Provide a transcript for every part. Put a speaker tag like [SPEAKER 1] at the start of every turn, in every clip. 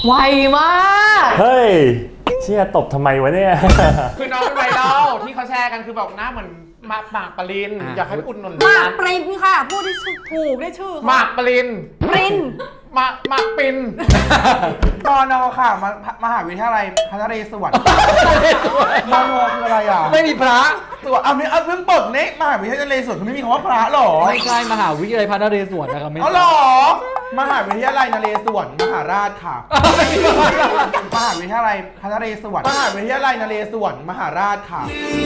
[SPEAKER 1] ไวมาก
[SPEAKER 2] เฮ้ยเชี่ยตบทำไมวะเนี่ย
[SPEAKER 3] คือน้องเป็นไวรัลที่เขาแชร์กันคือแบบหน้าเหมือนหมากปรินอยากให้อุดหนุน
[SPEAKER 1] หมากปรินค่ะพูดที่ถูกได้ชื่อ
[SPEAKER 3] หมากปริน
[SPEAKER 1] ปริน
[SPEAKER 3] หมากปิน
[SPEAKER 4] มอนอค่ะมหาวิทยาลัยพระนเรศวรมอนอคืออะไรอ่ะ
[SPEAKER 5] ไม่มีพระ
[SPEAKER 4] ตัวเอาเพิ่งปลดเนี่ยมหาวิทยาลัยนเรศวรคือไม่มีคำว่าพระหรอ
[SPEAKER 5] ไม่ใช่มหาวิทยาลัยพระนเรศวรนะครับไม่
[SPEAKER 4] เอาหรอมหาวิทยาลัยนเรศวรมหาราชค่ะมหาวิทยาลัยพระนเรศวรมหาวิทยาลัยนเรศวรมหาราชค่ะ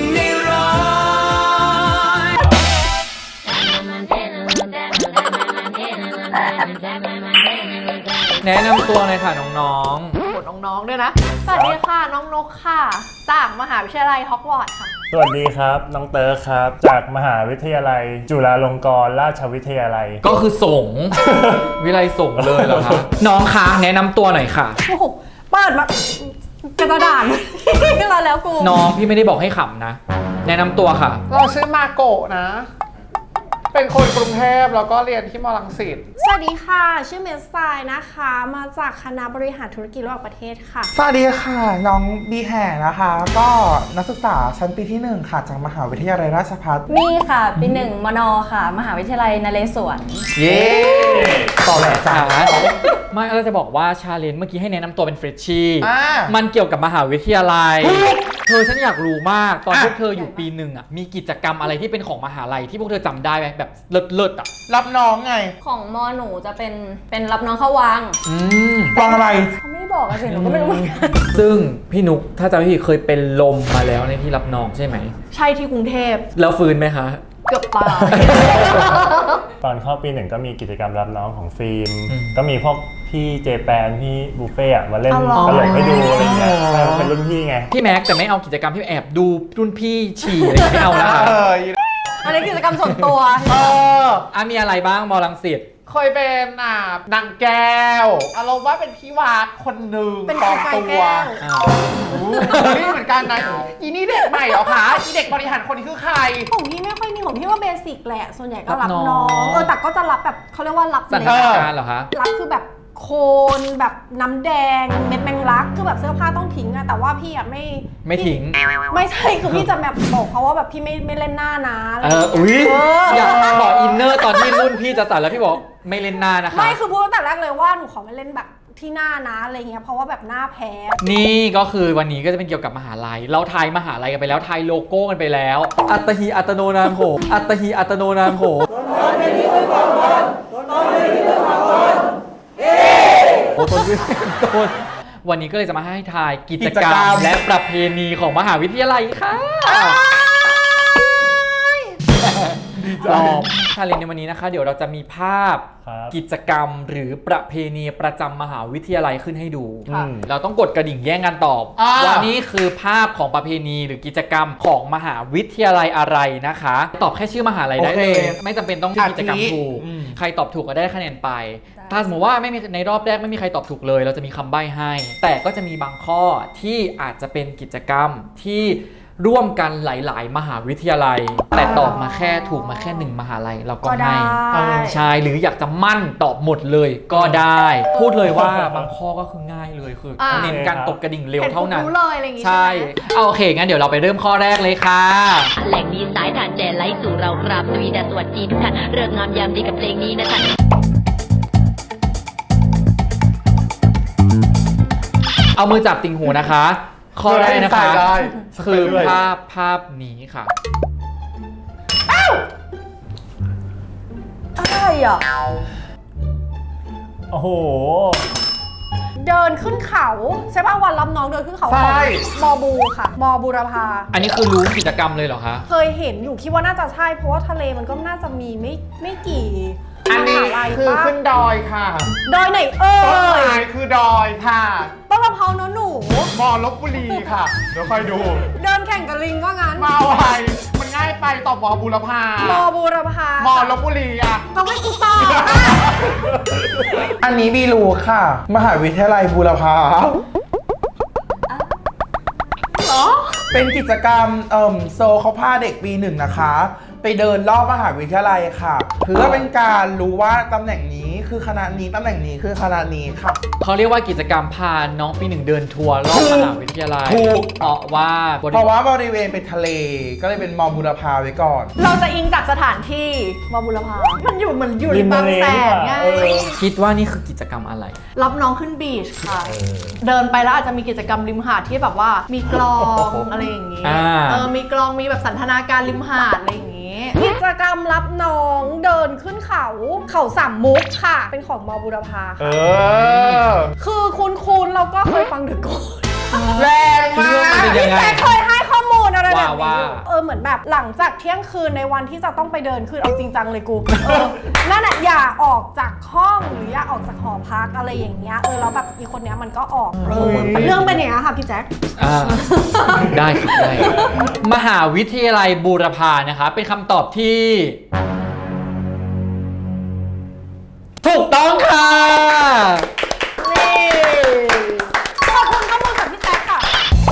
[SPEAKER 5] แนะนำตัวเลยค่ะน้อง
[SPEAKER 1] กดน้องๆด้วยนะสวัสดีค่ะน้องนกค่ะจากมหาวิทยาลัยฮอกวอตส์ค่ะ
[SPEAKER 2] สวัสดีครับน้องเตอร์ครับ จากมหาวิทยาลัยจุฬาลงกรณราชวิทยาลัย
[SPEAKER 5] ๆก็คือส่ง วิไลส่งเลยเหรอคะน้องคะแนะนำตัวหน่อยค่ะ
[SPEAKER 1] โอ้โหเปิดมากระดานขึ้นมาแล้วกู
[SPEAKER 5] น้องพี่ไม่ได้บอกให้ขำนะ แนะนำตัวค่ะ
[SPEAKER 3] เราชื่อมาโกะนะ เป็นคนกรุงเทพแล้วก็เรียนที่มรังสิต
[SPEAKER 1] สวัสดีค่ะชื่อเมสไซนะคะมาจากคณะบริหารธุรกิจระหว่างประเทศค่ะ
[SPEAKER 4] สวัสดีค่ะน้องบีแห่นะคะ ก็นักศึกษาชั้นปีที่1ค่ะจากมหาวิทยาลัยราชภัฏ
[SPEAKER 6] นี่ค่ะปีหนึ่งมนค่ะ มหาวิทยาลัยนเรศวร
[SPEAKER 5] เย้
[SPEAKER 4] ต่อแหละจ้า
[SPEAKER 5] ไม่เราจะบอกว่าชาเลนจ์เมื่อกี้ให้แนะนำตัวเป็นเฟรชชี่
[SPEAKER 4] อ่า
[SPEAKER 5] มันเกี่ยวกับมหาวิทยาลัย เธอฉันอยากรู้มากตอนพวกเธออยู่ปีหนึ่งอ่ะมีกิจกรรมอะไรที่เป็นของมหาลัยที่พวกเธอจำได้ไหมแบบเลิศๆอ่ะ
[SPEAKER 4] รับน้องไง
[SPEAKER 6] ของมหนูจะเป็นรับน้องเข้าวัง
[SPEAKER 4] วางอะไร
[SPEAKER 6] เขาไม่ได้บอกอะสิหนูก็ไม่รู้เหมือนกัน
[SPEAKER 5] ซึ่งพี่นุกถ้าจำไม่ผิดเคยเป็นลมมาแล้วในที่รับน้องใช่ไหม
[SPEAKER 1] ใช่ที่กรุงเทพ
[SPEAKER 5] แล้วฟื้นไหมคะ
[SPEAKER 1] เกือบตาย
[SPEAKER 2] ตอนเข้าปีหนึ่งก็มีกิจกรรมรับน้องของฟิล์ม
[SPEAKER 5] อืม
[SPEAKER 2] ก็มีพวกพี่เจแปนพี่บุฟเฟ่อะมาเล่น
[SPEAKER 1] เอาเหรอ
[SPEAKER 2] ตลกให้ดูอะไรเงี้ยใช่เป็นรุ่นพี่ไง
[SPEAKER 5] พี่แม็กแต่ไม่เอากิจกรรมที่แอบดูรุ่นพี่ฉี่อะไรไม่เอานะคะ
[SPEAKER 1] อันนี้กิจกรรมส่วนตัว
[SPEAKER 5] มีอะไรบ้างมอลังสิต
[SPEAKER 3] เคยเป็นนางแก้วอารมณ์ว่าเป็นพี่วากคนหนึ่ง
[SPEAKER 1] เป็น
[SPEAKER 3] ปลอม
[SPEAKER 1] ไก่
[SPEAKER 3] ตั
[SPEAKER 1] แก้
[SPEAKER 3] ว
[SPEAKER 1] ว
[SPEAKER 3] นี่เหมือนกันนะอีนี่เด็กใหม่เหรอคะอีเด็กบริหารคนนี้คือใคร
[SPEAKER 1] ของพี่ไม่ค่อยมีของพี่ว่าเบสิกแหละ ส่วนใหญ่ก็รับ
[SPEAKER 5] รับน้
[SPEAKER 1] น้
[SPEAKER 5] อ
[SPEAKER 1] อง งแต่ก็จะรับแบบเขาเรียกว่ารับ
[SPEAKER 5] สัน
[SPEAKER 1] เล็
[SPEAKER 5] นิ
[SPEAKER 1] ก
[SPEAKER 5] ษฐานเหรอคะ
[SPEAKER 1] รับคือแบบโคนแบบน้ำแดงเม็ดแมงลักคือแบบเสื้อผ้าต้องทิ้งอะแต่ว่าพี่อะ
[SPEAKER 5] ไม่ทิ้ง
[SPEAKER 1] ไม่ใช่คือพี่จะแบบบอกเขาว่าแบบพี่ไม่เล่นหน้านะอะไร
[SPEAKER 5] อุ๊ย
[SPEAKER 1] เออ
[SPEAKER 5] อยากขออินเนอร์ตอนที่รุ่นพี่จะตัดแล้วพี่บอกไม่เล่นหน้านะคะ
[SPEAKER 1] ไม่คือพูดตั้งแต่แรกเลยว่าหนูขอไม่เล่นแบบที่หน้านะอะไรเงี้ยเพราะว่าแบบหน้าแพ้
[SPEAKER 5] นี่ก็คือวันนี้ก็จะเป็นเกี่ยวกับมหาลัย เราทายมหาลัยกันไปแล้วทายโลโก้กันไปแล้ว อัตหิอัตโนนาโถอัตหิอัตโนนาโถโอ้ต้นต้นวันนี้ก็เลยจะมาให้ทายกิจกรรมและประเพณีของมหาวิทยาลัยค่ะรอบชาเลนจ์ในวันนี้นะคะ เดี๋ยวเราจะมีภาพ
[SPEAKER 2] ครับ
[SPEAKER 5] กิจกรรมหรือประเพณีประจำมหาวิทยาลัยขึ้นให้ดู
[SPEAKER 2] ค่ะ
[SPEAKER 5] เราต้องกดกระดิ่งแย่งกันตอบว่านี่คือภาพของประเพณีหรือกิจกรรมของมหาวิทยาลัยอะไรนะคะ ตอบแค่ชื่อมหาลัยได้เลยไม่จำเป็นต้องชื่อกิจกรรมถูกใครตอบถูกก็ได้คะแนนไป ถ้าสมมติว่าไม่มีในรอบแรกไม่มีใครตอบถูกเลย เราจะมีคำใบ้ให้ แต่ก็จะมีบางข้อที่อาจจะเป็นกิจกรรมที่ร่วมกันหลาย ๆ มหาวิทยาลัย แต่ตอบมาแค่ถูกมาแค่1มหาลัยเราก็
[SPEAKER 1] ก็ได้
[SPEAKER 5] ให้ใช่หรืออยากจะมั่นตอบหมดเลยก็ได้ พูดเลยว่าบางข้อก็คือง่ายเลยคือเน้นการตบกระดิ่งเร็วเท่านั้น
[SPEAKER 1] รู้เลยอะไรอย่างงี้
[SPEAKER 5] ใช่
[SPEAKER 1] ใช่ไหม
[SPEAKER 5] เอาโอเคงั้นเดี๋ยวเราไปเริ่มข้อแรกเลยค่ะ
[SPEAKER 7] แหล่งนี้สายทานแจไลฟ์สู่เรากราบสวีดัสสวัสดีทุกท่านเริ่มงามยามดีกับเพลงนี้นะท่าน
[SPEAKER 5] เอามือจับติ่งหูนะคะ ข้อแรกนะคะ
[SPEAKER 3] ได้
[SPEAKER 5] คือภาพนี้ค่ะ
[SPEAKER 1] อะไรอ่ะ
[SPEAKER 2] โอ้โห
[SPEAKER 1] เดินขึ้นเขาใช่ป่ะวันรับน้องเดินขึ้นเขา
[SPEAKER 3] ใช่
[SPEAKER 1] ของมอบูค่ะมอบูรพา
[SPEAKER 5] อันนี้คือรู้กิจกรรมเลยเหรอคะ
[SPEAKER 1] เคยเห็นอยู่คิดว่าน่าจะใช่เพราะว่าทะเลมันก็น่าจะมีไม่กี่
[SPEAKER 3] อันนี้
[SPEAKER 1] มหาลัย
[SPEAKER 3] คือ
[SPEAKER 1] ปะ
[SPEAKER 3] ขึ้นดอยค่ะ
[SPEAKER 1] ดอยไหนเอ่
[SPEAKER 3] ต้น
[SPEAKER 1] ย
[SPEAKER 3] ไม้คือดอยค่ะ
[SPEAKER 1] ต้นมะพร้าวเนอะหนู
[SPEAKER 3] มอลบบุรีค่ะ เดี๋ยวค่อยดู
[SPEAKER 1] เดินแข่งกับลิงก็งั้น
[SPEAKER 3] มาไวมันง่ายไปตอบมอบุรพาม
[SPEAKER 1] อบูรพาม
[SPEAKER 3] อลบบุรีอ่ะ
[SPEAKER 1] ต้องให้กูตอบ
[SPEAKER 4] อันนี้บีรู้ค่ะ มหาวิทยาลัยบูรพา
[SPEAKER 1] เหรอ
[SPEAKER 4] เป็นกิจกรรมโซเขาพาเด็กปีหนึ่งนะคะ ไปไปเดินรอบมหาวิทยาลัยค่ะ เพื่อเป็นการรู้ว่าตำแหน่งนี้คือคณะนี้ตำแหน่งนี้คือคณะนี้ค่ะ
[SPEAKER 5] เขาเรียกว่ากิจกรรมพาน้องปีหนึ่งเดินทัวร์รอบมหาวิทยาลัย
[SPEAKER 4] ถูก
[SPEAKER 5] เพราะว่าบริ
[SPEAKER 4] เพราะว่าบริเวณเป็นทะเลก็เลยเป็นมอบุรพาไว้ก่อน
[SPEAKER 1] เราจะอิงจากสถานที่มอบุรพามันอยู่เหมือนอยู่ในบางแสนไง
[SPEAKER 5] คิดว่านี่คือกิจกรรมอะไร
[SPEAKER 1] รับน้องขึ้นบีชค่ะ เดินไปแล้วอาจจะมีกิจกรรมริมหาดที่แบบว่ามีกลองอะไรอย่างนี้ มีกลองมีแบบสันทนาการริมหาดอะไรอย่างนี้ กิจกรรมรับน้องเดินขึ้นเขาสามมุกค่ะ เป็นของมอบุรพาค่ะคือคุณเราก็เคยฟังถึงก่อน
[SPEAKER 4] แรงมาก
[SPEAKER 5] เป็นยังไง
[SPEAKER 1] แต่เคยให้ข้อมูลอะไรแบบ
[SPEAKER 5] ว่า
[SPEAKER 1] นี้เหมือนแบบหลังจากเที่ยงคืนในวันที่จะต้องไปเดินคือเอาจริงจังเลยกูนั่นน่ะอย่าออกจากห้องหรืออย่าออกจากหอพักอะไรอย่างเงี้ยแล้วแบบอีคนเนี้ยมันก็ออกเรื่องเป็นอย่างนี้ค่ะพี่แจ๊ค
[SPEAKER 5] ได้ครับได้มหาวิทยาลัยบูรพานะคะเป็นคำตอบที่ถูกต้องค่ะ
[SPEAKER 1] ขอบคุณข้อมูลจากพี่แจ๊คค่ะ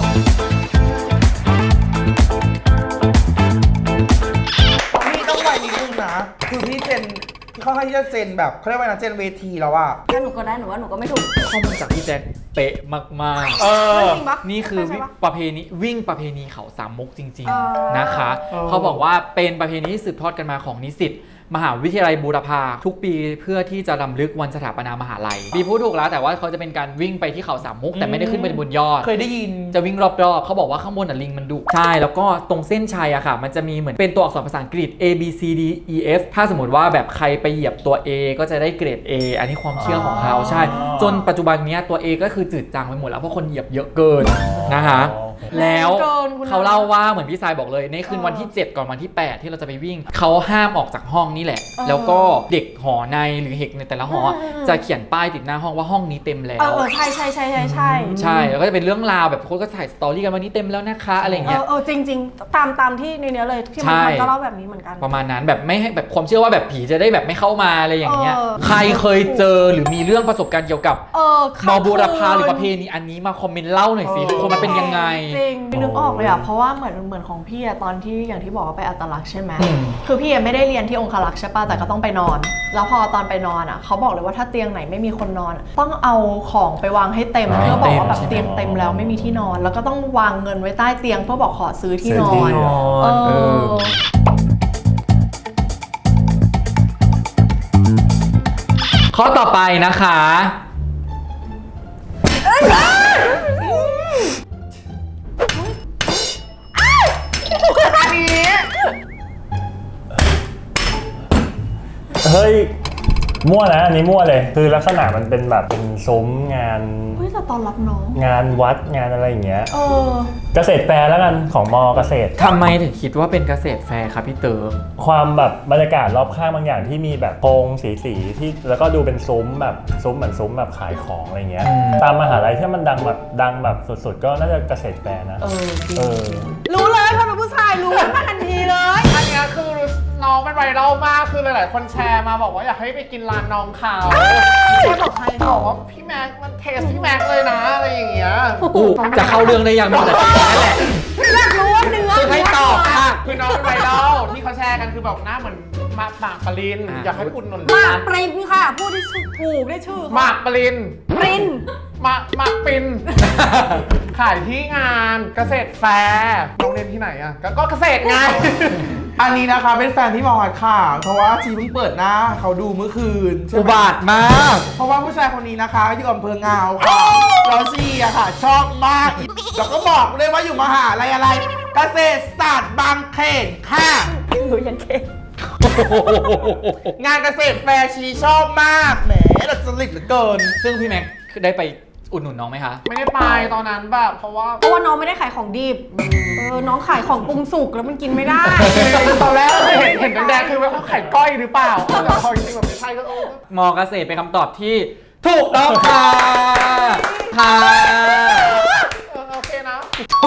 [SPEAKER 4] พี่ต้องไวนิดนึงนะ คือพี่เจนเขาให้ที่จะเจนแบบเขาเรียกว่านะเจนเวทีแล้วอะ
[SPEAKER 6] ถ้าหนูก็ได้หนูว่าหนูก็ไม่ถูก
[SPEAKER 5] ข้อมูลจากพี่แจ็คเป๊ะมาก
[SPEAKER 1] จริงปะ
[SPEAKER 5] ๆนี่คือ
[SPEAKER 1] ใช่ปะ
[SPEAKER 5] ประเพณีวิ่งประเพณีเขาสามมุกจริง
[SPEAKER 1] อ๋อ
[SPEAKER 5] ๆนะคะ เขาบอกว่าเป็นประเพณีที่สืบทอดกันมาของนิสิตมหาวิทยาลัยบูรพาทุกปีเพื่อที่จะรำลึกวันสถาปนามหาลัยปีพูดถูกแล้วแต่ว่าเขาจะเป็นการวิ่งไปที่เขาสามมุกแต่ไม่ได้ขึ้นไปบนยอด
[SPEAKER 4] เคยได้ยิน
[SPEAKER 5] จะวิ่งรอบๆ เขาบอกว่าข้างบนลิงมันดุใช่แล้วก็ตรงเส้นชัยอะค่ะ มันจะมีเหมือนเป็นตัวอักษรภาษาอังกฤษ A B C D E F ถ้าสมมติว่าแบบใครไปเหยียบตัว A ก็จะได้เกรด A อันนี้ความเชื่อของเขาใช่ จนปัจจุบันเนี้ยตัว A ก็คือจืดจางไปหมดแล้วเพราะคนเหยียบเยอะเกินนะคะแล้วเขาเล่าว่าเหมือนพี่ทรายบอกเลยในคืนวันที่ 7 ก่อนวันที่ 8 ที่เราจะไปวิ่งเขาห้ามออกจากห้องนี่แหละ แล้วก็เด็กหอในหรือเด็กในแต่ละหอจะเขียนป้ายติดหน้าห้องว่าห้องนี้เต็มแล้ว
[SPEAKER 1] ใช่
[SPEAKER 5] ใช่ แล้วก็จะเป็นเรื่องราวแบบคนก็ถ่ายสตอรี่กันวันนี้เต็มแล้วนะคะอะไรอย่างเงี้ย
[SPEAKER 1] จริงๆตามที่ในเนี้ยเลยที่มันก็เล่าแบบนี้เหมือนกัน
[SPEAKER 5] ประมาณนั้นแบบไม่ให้แบบความเชื่อว่าแบบผีจะได้แบบไม่เข้ามาอะไรอย่างเงี้ย ใครเคยเจอหรือมีเรื่องประสบการณ์เกี่ยวกับมอบูรพาหรือประเพณีอันนี้มาคอมเมนต์เล่าหน่อยสิทุกคนมันเป็นยังไง
[SPEAKER 1] จริง
[SPEAKER 8] นึกออกเลยอ่ะเพราะว่าเหมือนของพี่อะตอนที่อย่างที่บอกว่าไปอัตลักษณ์ใช่ไหมคือพี่ไม่ได้เรียนที่องคลักษ์ใช่ป่ะแต่ก็ต้องไปนอน แล้วพอตอนไปนอนอ่ะเขาบอกเลยว่าถ้าเตียงไหนไม่มีคนนอนต้องเอาของไปวางให้เต็มเพื่อบอกว่าแบบเตียงเต็มแล้วไม่มีที่นอน แล้วก็ต้องวางเงินไว้ใต้เตียงเพื่อบอกขอซื้อที่นอน
[SPEAKER 5] ข้อต่อไปนะคะ
[SPEAKER 2] เฮ้ยมั่วนะอันนี้มั่วเลยคือลักษณะมันเป็นแบบเป็นซุ้มงาน
[SPEAKER 8] เฮ้ยแต่ตอนรับน้อง
[SPEAKER 2] งานวัดงานอะไรอย่างเงี้ยเกษตรแฟร์แล้วกันของมอเกษตร
[SPEAKER 5] ทำไมถึงคิดว่าเป็นเกษตรแฟร์ครับพี่เต๋อ
[SPEAKER 2] ความแบบบรรยากาศรอบข้างบางอย่างที่มีแบบโพรงสีที่แล้วก็ดูเป็นซุ้มแบบซุ้มเหมือนซุ้มแบบขายของอะไรเงี้ยตามมหาลัยที่มันดังแบบสุดๆก็น่าจะเกษตรแฟร์นะ
[SPEAKER 1] รู้เลยพอเป็นผู้ชายรู้มาทันทีเลย
[SPEAKER 3] อันเนี้ยคือน้องเป็นไวรัลมากคือหลายๆคนแชร์มาบอกว่าอยากให้ไปกินร้านน้องเขา
[SPEAKER 1] ใช่บอกใคร
[SPEAKER 3] บอกว่าพี่แม็กมันเทสพี่แม็กเลยนะอะไรอย่างเงี้ย
[SPEAKER 5] จะเข้าเรื่องได้ยังนอกจากนั่นแหละ
[SPEAKER 1] อยากรู้ว่าเนื้อ
[SPEAKER 5] คือให้ตอบค่ะ
[SPEAKER 3] คือน้องเป็นไวรัลที่เขาแชร์กันคือแบบหน้าเหมือนหมากปรินอยากให้อุดหนุน
[SPEAKER 1] หมากปรินค่ะพูดที่ถูกได้ชื่อ
[SPEAKER 3] หมากปริน
[SPEAKER 1] ปริน
[SPEAKER 3] หมากปิน ขายที่งานเกษตรแฟร์น้องเรียนที่ไหนอ่ะก็เกษตรไง
[SPEAKER 4] อันนี้นะคะเป็นแฟนที่มอดค่ะ เพราะว่าชีเพิ่งเปิดหน้าเขาดูเมื่อคืนใช่ไหม
[SPEAKER 5] อุบาทมาก
[SPEAKER 4] เพราะว่าผู้ชายคนนี้นะคะอยู่อำเภอเงาค่ะแล้วชีอะค่ะ ชอบมากแล้วก็บอกเลยว่าอยู่มหาลัยอะไร เกษตรศาสตร์บางเขนค่ะ
[SPEAKER 6] หนูยังเก่ง
[SPEAKER 4] งานเกษตรแฟร์ชีชอบมากแหมดัดจริตเหลือเกิน
[SPEAKER 5] ซึ่งพี่แม็กได้ไปอุดหนุนน้องไหมคะ
[SPEAKER 3] ไม่ได้ไปตอนนั้นแบบเพราะว่า
[SPEAKER 1] น้องไม่ได้ขายของดิบน้องขายของปรุงสุกแล้วมันกินไม่ได้
[SPEAKER 3] ตอนแรกเห็นแดงๆคือว่าเขาไข่ก้อยหรือเปล่าแต่พอจริงๆแบบไม่ใช่ก็
[SPEAKER 5] มอเกษตรเป็นคำตอบที่ถูกต้องค่ะค่ะ
[SPEAKER 3] โอเคนะ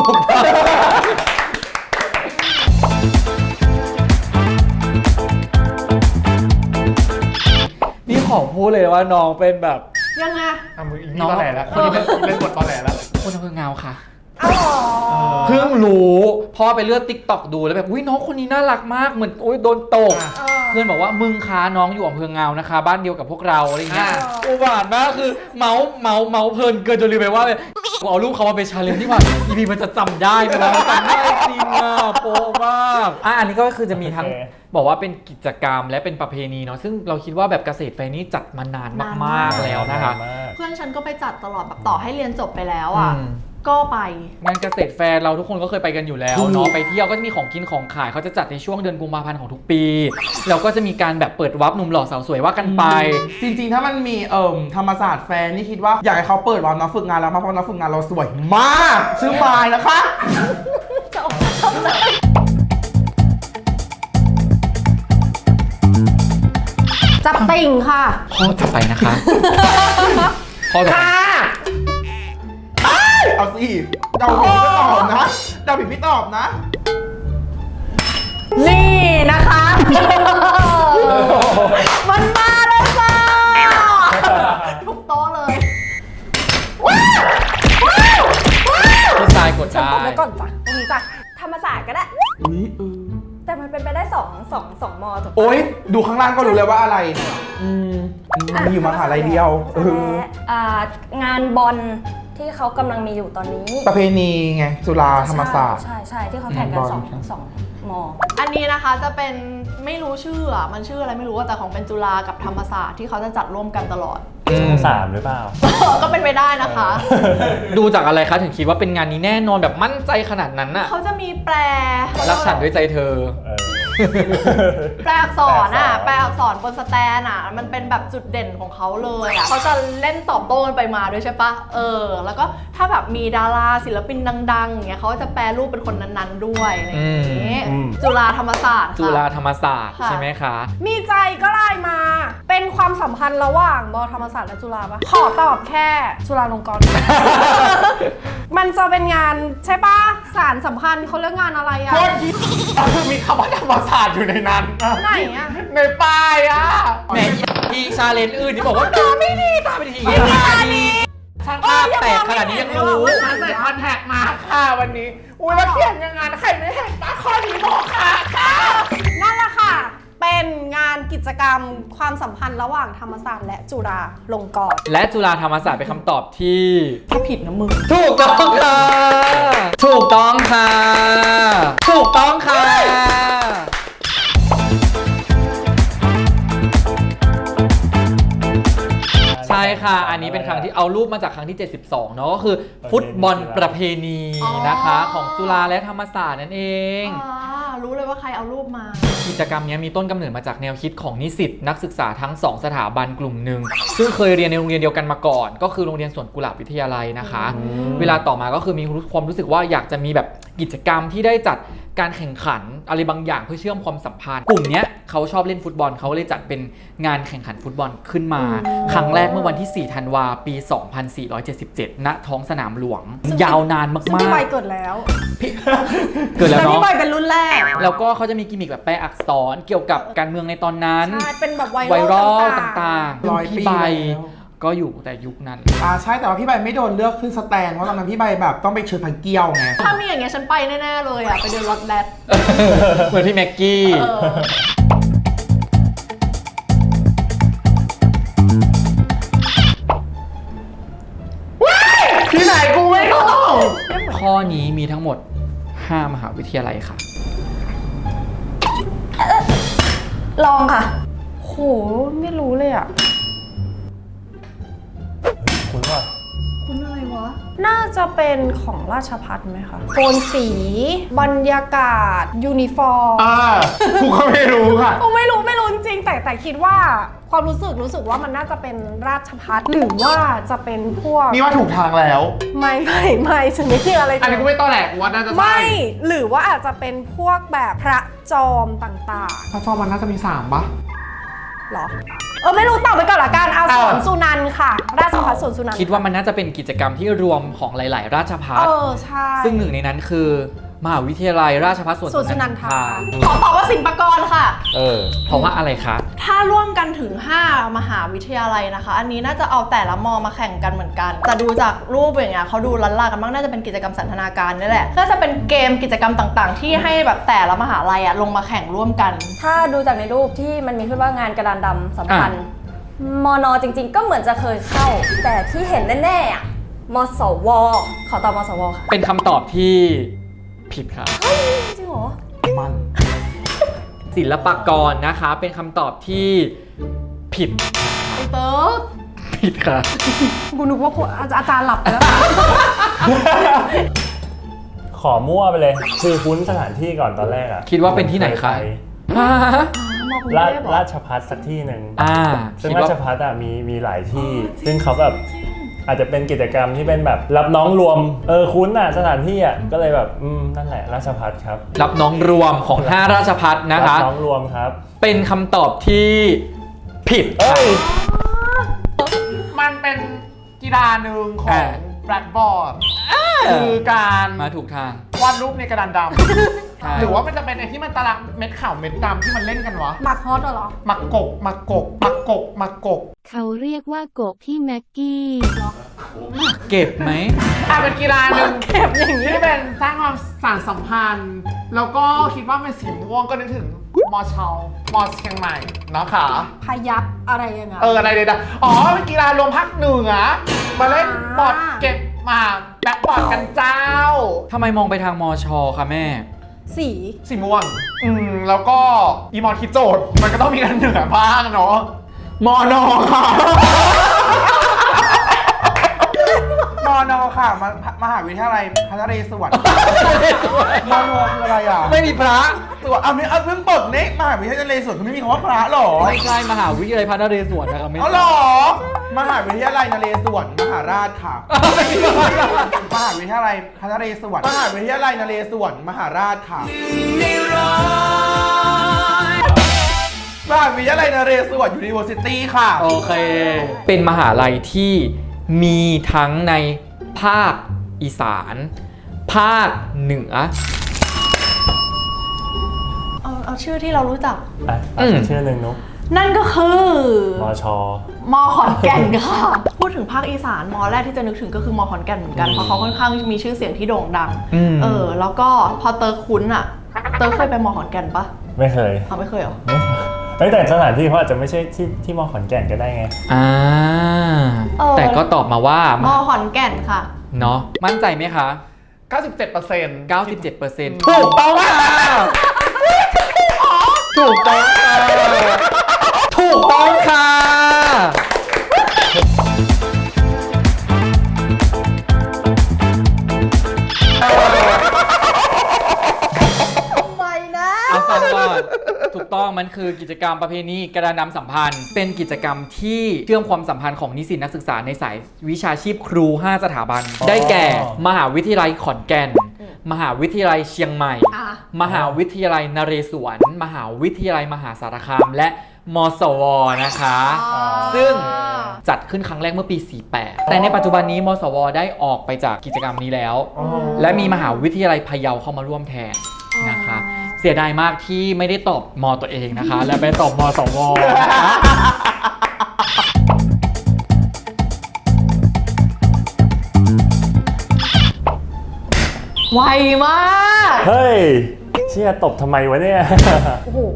[SPEAKER 5] นี่ขอพูดเลยว่าน้องเป็นแบบ
[SPEAKER 1] ยังไง
[SPEAKER 3] มึงอีกนี่ตอแหลแล้วคนนี้เล่นบทตอแหลแล้ว
[SPEAKER 5] คนอำเภอเงาค่ะ
[SPEAKER 1] เอ
[SPEAKER 5] เพิ่งรู้พอไปเลื่อนติ๊กต็อกดูแล้วแบบอุ้ยน้องคนนี้น่ารักมากเหมือนโอ้ยโดนตกเพื่อนบอกว่ามึงค้าน้องอยู่อำเภอเงานะคะ บ้านเดียวกับพวกเราอะไรอย่างเงี้ยอุบาทมากคือเมาเพลินเกินจนลืมไปว่ากูเอารูปเขามาเป็นชาเลนจ์ที่ว่าอีพีมันจะจำได้ไหมล่ะจำได้จริงอ่ะโป๊ะมากอันนี้ก็คือจะมีทั้งบอกว่าเป็นกิจกรรมและเป็นประเพณีเนาะซึ่งเราคิดว่าแบบเกษตรแฟร์นี่จัดมานานมากๆแล้วนะคะ
[SPEAKER 8] เพื่อนฉันก็ไปจัดตลอดแบบต่อให้เรียนจบไปแล้วอ่ะก็ไป
[SPEAKER 5] งานเกษตรแฟร์เราทุกคนก็เคยไปกันอยู่แล้วเนาะไปเที่ยวก็จะมีของกินของขายเขาจะจัดในช่วงเดือนกุมภาพันธ์ของทุกปีแล้วก็จะมีการแบบเปิดวับหนุ่มหล่อสาวสวยว่ากันไป
[SPEAKER 4] จริงๆ ถ้ามันมีธรรมศาสตร์แฟร์นี่คิดว่าอยากให้เขาเปิดวันนักฝึกงานแล้วมาเพราะนักฝึกงานเราสวยมากชื่อมายนะคะ
[SPEAKER 8] จับติ่งค่ะ
[SPEAKER 5] ข้อต่อไปนะคะข้อต่อไป
[SPEAKER 4] เอาสิเดาผิดไม่ตอบนะเดาผิดไม่ตอบนะ
[SPEAKER 8] นี่นะคะ มันมาแล้วจ้าทุกโต๊ะเลย
[SPEAKER 5] พี่ทรายกดได้
[SPEAKER 6] กดไว้ก่อนจ้ะตรงนี้จ้ะธรรมศาสตร์ก็ได้ แต่มันเป็นไปได้สองมอถูกปะ
[SPEAKER 4] โอ๊ยดูข้างล่างก็รู้เลยว่าอะไรมันอยู่มหาลัยเดียว
[SPEAKER 6] และงานบอลที่เขากำลังมีอยู่ตอนนี้
[SPEAKER 4] ประเพณีไงจุฬาธรรมศาสตร์
[SPEAKER 6] ใช่ที่เขาแข่งกันสองมอ
[SPEAKER 8] อันนี้นะคะจะเป็นไม่รู้ชื่ออ่ะมันชื่ออะไรไม่รู้แต่ของเป็นจุฬากับธรรมศาสตร์ที่เขาจะจัดร่วมกันตลอด
[SPEAKER 2] 3 หรือเปล่า
[SPEAKER 8] ก็เป็นไปได้นะคะ
[SPEAKER 5] ดูจากอะไรคะถึงคิดว่าเป็นงานนี้แน่นอนแบบมั่นใจขนาดนั้นน่ะ
[SPEAKER 8] เขาจะมีแปล
[SPEAKER 5] รักฉันด้วยใจเธอ
[SPEAKER 8] แปลอักษรอ่ะแปลอักษรบนสแตนอ่ะมันเป็นแบบจุดเด่นของเขาเลยอ่ะเขาจะเล่นตอบโต้กันไปมาด้วยใช่ปะแล้วก็ถ้าแบบมีดาราศิลปินดังๆอย่างเงี้ยเขาจะแปลรูปเป็นคนนั้นๆด้วยอะไรอย่างงี้จุฬาธรรมศาสตร์ค่ะ
[SPEAKER 5] จุฬาธรรมศาสตร์
[SPEAKER 8] ค่ะ
[SPEAKER 5] ใช่ไหมคะ
[SPEAKER 1] มีใจก็ไลน์มา เป็นความสัมพันธ์ระหว่างมอธรรมศาสตร์และจุฬาปะขอตอบแค่จุฬาลงกรณ์ มันจะเป็นงานใช่ปะสารสัมพันธ์เขาเรียกงานอะไรอะ
[SPEAKER 3] โคตรที่มีคำว่าธรรมศาสตร์อยู่ในนั้น
[SPEAKER 8] ไหนอะ
[SPEAKER 3] ในป้ายอ่ะ
[SPEAKER 5] แหมทีชาเลนจ์อื่นที่บอกว่าตาไม่ดีตาไม่ดีช่างภาพแตกขนาดนี้ยังรู้
[SPEAKER 3] มาใส่คอนแทคมาค่ะวันนี้ อุ้ยแล้วเขียนยังไงใครไม่เห็นป้าข้อนี้บอกค่ะ
[SPEAKER 1] นั่นแหละค่ะ เป็นงานกิจกรรมความสัมพันธ์ระหว่างธรรมศาสตร์และจุฬาลงกรณ์
[SPEAKER 5] และจุฬาธรรมศาสตร์เป็นคำตอบที่
[SPEAKER 8] ถ้าผิดนะมึง
[SPEAKER 5] ถูกต้องค่ะ ถูกต้องค่ะ ถูกต้องค่ะ ใช่ค่ะ อันนี้เป็นครั้งที่เอารูปมาจากครั้งที่ 72 เนาะก็คือฟุตบอลประเพณีนะคะ ของจุฬาและธรรมศาสตร์นั่นเอง
[SPEAKER 8] รู้เลยว่าใครเอารูปมา
[SPEAKER 5] กิจกรรมนี้มีต้นกำเนิดมาจากแนวคิดของนิสิตนักศึกษาทั้ง 2 สถาบันกลุ่มหนึ่งซึ่งเคยเรียนในโรงเรียนเดียวกันมาก่อน ก็คือโรงเรียนสวนกุหลาบวิทยาลัยนะคะ เวลาต่อมาก็คือมีความรู้สึกว่าอยากจะมีแบบกิจกรรมที่ได้จัดการแข่งขันอะไรบางอย่างเพื่อเชื่อมความสัมพันธ์กลุ่มเนี้ยเขาชอบเล่นฟุตบอลเขาเลยจัดเป็นงานแข่งขันฟุตบอลขึ้นมา ครั้งแรกเมื่อวันที่ 4 ธันวาปี 2477 ณ ท้องสนามหลวง ยาวนานมาก
[SPEAKER 1] ซึ่งพี่ใบเกิดแล้ว
[SPEAKER 5] เกิดแล้ว
[SPEAKER 1] แต่พี่
[SPEAKER 5] เนาะ
[SPEAKER 1] ใบเป็นรุ่นแรก
[SPEAKER 5] แล้วก็เขาจะมีกิมมิคแบบแปลอักษรเกี่ยวกับการเมืองในตอนนั้น
[SPEAKER 1] ใช่ เป็นแบบไว
[SPEAKER 5] ไวรัล
[SPEAKER 1] ต
[SPEAKER 5] ต่าง
[SPEAKER 4] ร้อย
[SPEAKER 5] ๆ
[SPEAKER 4] ปี
[SPEAKER 5] พี่ใบ
[SPEAKER 4] แล้ว
[SPEAKER 5] ก็อยู่แต่ยุคนั้น
[SPEAKER 4] ใช่แต่ว่าพี่ใบไม่โดนเลือกขึ้นสแตนเพราะตอนนั้นพี่ใบแบบต้องไปเชิญพันเกี้ยวไง
[SPEAKER 8] ถ้ามีอย่างเงี้ยฉันไปแน่ๆเลยอะไปเดินรถแรด
[SPEAKER 5] เหมือนพี่แม็กกี้
[SPEAKER 3] ที่ไหนกูไม่รู้
[SPEAKER 5] ข้อนี้มีทั้งหมด 5 มหาวิทยาลัยค่ะ
[SPEAKER 6] ลองค่ะ
[SPEAKER 1] โห ไม่รู้เลยอ่ะ
[SPEAKER 2] คุณว่า
[SPEAKER 8] คุณอะไรวะ
[SPEAKER 1] น่าจะเป็นของราชภัฏไหมคะโทนสี บรรยากาศ ยูนิฟอร์ม
[SPEAKER 3] กูก็ไม่รู้ค่ะ
[SPEAKER 1] โอ้ไม่รู้จริงๆแต่คิดว่าความรู้สึกว่ามันน่าจะเป็นราชภัฏหรือว่าจะเป็นพวก
[SPEAKER 3] นี่ว่าถูกทางแล้ว
[SPEAKER 1] ไม่ฉันไม่มีอะไร
[SPEAKER 3] อันนี้กูไม่ต้อแหลกว่าน่าจะใช่
[SPEAKER 1] ไม่หรือว่าอาจจะเป็นพวกแบบพระจอมต่าง
[SPEAKER 3] พระจอมมันน่าจะมี3ปะ
[SPEAKER 1] ๆหรอไม่รู้ตอบไปก่อนละกันเอาสวนสุนันท์ค่ะ ราชภัฏสวนสุนันท์
[SPEAKER 5] คิดว่ามันน่าจะเป็นกิจกรรมที่รวมของหลาย ๆ ราชภัฏ
[SPEAKER 1] ใช่
[SPEAKER 5] ซึ่งหนึ่งในนั้นคือมหาวิทยาลัยราชภัฏสวน
[SPEAKER 1] สวนสุนันทา
[SPEAKER 5] ข
[SPEAKER 1] ขอตอบว่าศิลปากรค่ะ
[SPEAKER 5] เพราะว่าอะไรคะ
[SPEAKER 8] ถ้าร่วมกันถึง 5 มหาวิทยาลัยนะคะ อันนี้น่าจะเอาแต่ละมอมาแข่งกันเหมือนกัน แต่ดูจากรูปอย่างเงี้ยเขาดูลันลากันบ้างน่าจะเป็นกิจกรรมสันทนาการนี่แหละก็จะเป็นเกมกิจกรรมต่างๆ ที่ให้แบบแต่ละมหาลัยอะลงมาแข่งร่วมกัน
[SPEAKER 6] ถ้าดูจากในรูปที่มันมีขึ้นว่างานกระดานดำสัมพันธ์มนจริงๆ ก็เหมือนจะเคยเข้า แต่ที่เห็นแน่ๆอะมสว ขอตอบมสวค่ะ
[SPEAKER 5] เป็นคำตอบที่ผิดครับ
[SPEAKER 6] จริงเหรอ
[SPEAKER 4] มัน
[SPEAKER 5] ศิลปากรนะคะเป็นคำตอบที่ผิด
[SPEAKER 8] ไอเติร์ก
[SPEAKER 5] ผิดครับ
[SPEAKER 1] กูนึกว่าอาจารย์หลับไปแล้ว
[SPEAKER 2] ขอมั่วไปเลย คือคุ้นสถานที่ก่อนตอนแรกอะ
[SPEAKER 5] คิดว่าเป็นที่ไหนคะ
[SPEAKER 8] มอกรุง
[SPEAKER 2] รา
[SPEAKER 8] เทพเหรอ
[SPEAKER 2] ราชภัฏสักที่หนึ่ง ซึ่ง
[SPEAKER 5] คิด
[SPEAKER 2] รา
[SPEAKER 5] ว่า
[SPEAKER 2] ชภัฏอะมีหลายที่ ซึ่งเขาแบบอาจจะเป็นกิจกรรมที่เป็นแบบรับน้องรวมคุ้นอะสถานที่อะก็เลยแบบนั่นแหละราชภัฏครับ
[SPEAKER 5] รับน้องรวมของ 5 ราชพัฒนะคะ
[SPEAKER 2] รับน้องรวมครับ
[SPEAKER 5] เป็นคำตอบที่ผิด
[SPEAKER 2] เอ้ย
[SPEAKER 3] มันเป็นกีฬาหนึ่งของแบล็คบอร์ดคือการ
[SPEAKER 5] มาถูกทาง
[SPEAKER 3] วาดรูปในกระดานด
[SPEAKER 5] ใช่
[SPEAKER 3] ำหรือว่ามันจะเป็นไอ้ที่มันตารางเม็ดขาวเม็ดดำที่มันเล่นกันวะ
[SPEAKER 1] หมักฮอตเหรอ
[SPEAKER 3] มักกกมักกกมักกกมักกก
[SPEAKER 7] เขาเรียกว่าโกกพี่แม็กกี้
[SPEAKER 5] เก็บไหม
[SPEAKER 3] เป็นกีฬาหนึ่งที่เป็นสร้างความสานสัมพันธ์ แล้วก็คิดว่าเป็นสีม่วงก็นึกถึงมอเชามอเชียงใหม่นะคะ
[SPEAKER 1] พยับอะไรยังไง
[SPEAKER 3] อะไรเด็ดๆอ๋อเป็นกีฬารวมภาคเหนือมาเล่นบอร์ดเก็บมาแบ็คบอร์ดกันเจ้า
[SPEAKER 5] ทำไมมองไปทางมอชอคะแม่
[SPEAKER 1] สี
[SPEAKER 3] สีม่วงแล้วก็อีมอนคิดโจทย์มันก็ต้องมีกันเหนือบ้างเนาะ
[SPEAKER 4] มอนอค่ะ มอนอค่ะมหาวิทยาลัยพระนเรศวรมอนอคืออะไรอ่ะ
[SPEAKER 5] ไม่มีพระ
[SPEAKER 4] ตัวเอาเพิ่งเปิดเนี่ยมหาวิทยาลัยนเรศวรคือไม่มีคำว่าพระหรอ
[SPEAKER 5] ไม่ใช่มหาวิทยาลัยพระนเรศวรนะครับไม่
[SPEAKER 4] เอาหรอ มหาวิทยาลัยนเรศวรมหาราชค่ะ มหาวิทยาลัยพระนเรศวรมหาวิทยาลัยนเรศวรมหาราชค่ะมหาวิทยาลัยนเรศวร University ค่ะ
[SPEAKER 5] โอเค เป็นมหาลัยที่มีทั้งในภาคอีสาน ภาคเหนือ
[SPEAKER 8] เอาชื่อที่เรารู้จัก
[SPEAKER 2] ชื่อหนึ่งนุ๊ก
[SPEAKER 8] นั่นก็คือ
[SPEAKER 2] มช
[SPEAKER 8] มอขอนแก่นค่ะ พูดถึงภาคอีสานมอแรกที่จะนึกถึงก็คือมอขอนแก่นเหมือนกันเพราะเขาค่อนข้างมีชื่อเสียงที่โด่งดัง แล้วก็พอเตอร์คุ้นอะเตอร์เคยไปมอขอนแก่นปะ
[SPEAKER 2] ไม่เคย
[SPEAKER 8] ไม่เคยเหรอ
[SPEAKER 2] แต่สถานที่เขาอาจจะไม่ใช่ที่มอขอนแก่นก็ได้ไง
[SPEAKER 5] แต่ก็ตอบมาว่าม
[SPEAKER 8] อขอนแก่นค่ะ
[SPEAKER 5] เนาะมั่นใจไหมคะ
[SPEAKER 3] 97%
[SPEAKER 5] 97%
[SPEAKER 4] ถูกต้องค่ะ
[SPEAKER 5] ถูกต้องค่ะถูกต้องค่ะ
[SPEAKER 8] ไม่นะ
[SPEAKER 5] เอาฟังก่อนถูกต้องมันคือกิจกรรมประเพณีกระดานดำสัมพันธ์ เป็นกิจกรรมที่เชื่อมความสัมพันธ์ของนิสิตนักศึกษาในสายวิชาชีพครู 5 สถาบัน ได้แก่ มหาวิทยาลัยขอนแก่น มหาวิทยาลัยเชียงใหม่ มหาวิทยาลัยนเรศวร มหาวิทยาลัยมหาสารคาม และมสว นะคะ ซึ่งจัดขึ้นครั้งแรกเมื่อปี 48 แต่ในปัจจุบันนี้มสว ได้ออกไปจากกิจกรรมนี้แล้ว และมีมหาวิทยาลัยพะเยาเข้ามาร่วมแทนนะคะ เสียดายมากที่ไม่ได้ตอบมตัวเองนะคะ และไปตอบมสวนะคะ
[SPEAKER 8] ไวมาก
[SPEAKER 2] เฮ้ย เชี่ยตบทำไมวะเนี่ย
[SPEAKER 1] โอ้โห